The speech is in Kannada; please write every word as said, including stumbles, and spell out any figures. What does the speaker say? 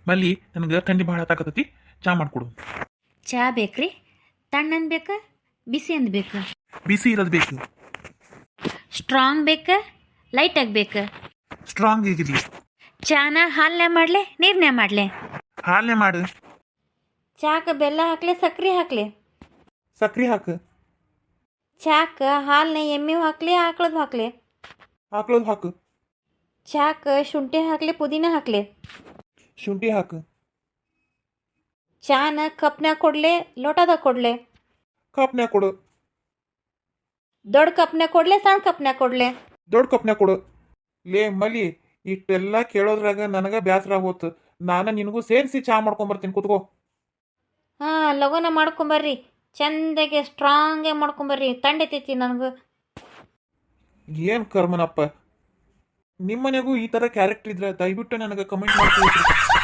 ಮಲ್ಲಿ ನನಗೆ ಥಂಡಿ ಭಾಳ ಹತ್ತಾಕತ್ತೈತಿ, ಚಾ ಮಾಡಿಕೊಡು. ಚಾ ಬೇಕ್ರಿ? ತಣ್ಣಂದು ಬೇಕಾ ಬಿಸಿ ಅಂದ್ ಬೇಕಾ? ಬಿಸಿ ಇರೋದು ಬೇಕು. ಸ್ಟ್ರಾಂಗ್ ಬೇಕಾ ಲೈಟಾಗಿ ಬೇಕಾ? ಸ್ಟ್ರಾಂಗ್ ಆಗಿರಲಿ. ಚಾನ ಹಾಲನ್ಯಾಗ ಮಾಡಲೆ ನೀರ್ನ್ಯಾಗ ಮಾಡಲೆ? ಹಾಲೇ ಮಾಡು. ಚಾಕ ಬೆಲ್ಲ ಹಾಕ್ಲೆ ಸಕ್ರೆ ಹಾಕ್ಲೆ? ಸಕ್ರೆ ಹಾಕು. ಚಾಕ ಹಾಲನ್ನ ಎಮ್ಮೆ ಹಾಕ್ಲೆ ಆಕಳದು ಹಾಕ್ಲೆ? ಹಾಕ್ಳೋದು ಹಾಕು. ಚಾಕ ಶುಂಠಿ ಹಾಕ್ಲೆ ಪುದೀನ ಹಾಕ್ಲೆ? ಶುಂಠಿ ಹಾಕು. ಚಾನ ಕಪ್ನ್ಯಾಗ ಕೊಡ್ಲೆ ಲೋಟದಾಗ ಕೊಡ್ಲೆ? ಕಪ್ನ್ಯಾಗ ಕೊಡು. ದೊಡ್ಡ ಕಪ್ನ್ಯಾಗ ಕೊಡ್ಲೆ ಸಣ್ಣ ಕಪ್ನ್ಯಾಗ ಕೊಡ್ಲೆ? ದೊಡ್ಡ ಕಪ್ನ್ಯಾಗ ಕೊಡು. ಲೇ ಮಲಿ, ಇಷ್ಟೆಲ್ಲ ಕೇಳೋದ್ರಾಗ ನನಗೆ ಬೇಸರ ಆಗೋತು. ನಾನು ನಿನಗೂ ಸೇರಿಸಿ ಚಾ ಮಾಡ್ಕೊಂಬರ್ತೀನಿ, ಕೂತ್ಕೋ. ಹಾಂ, ಲಗೋನ ಮಾಡ್ಕೊಂಬರ್ರಿ. ಚಂದಾಗೆ ಸ್ಟ್ರಾಂಗೆ ಮಾಡ್ಕೊಂಬರ್ರಿ, ತಂಡೈತೈತಿ ನನಗೆ. ಏನು ಕರ್ಮನಪ್ಪ. ನಿಮ್ಮ ಮನೆಗೂ ಈ ಥರ ಕ್ಯಾರೆಕ್ಟರ್ ಇದ್ರೆ ದಯವಿಟ್ಟು ನನಗೆ ಕಮೆಂಟ್ ಮಾಡ್ತೀವಿ.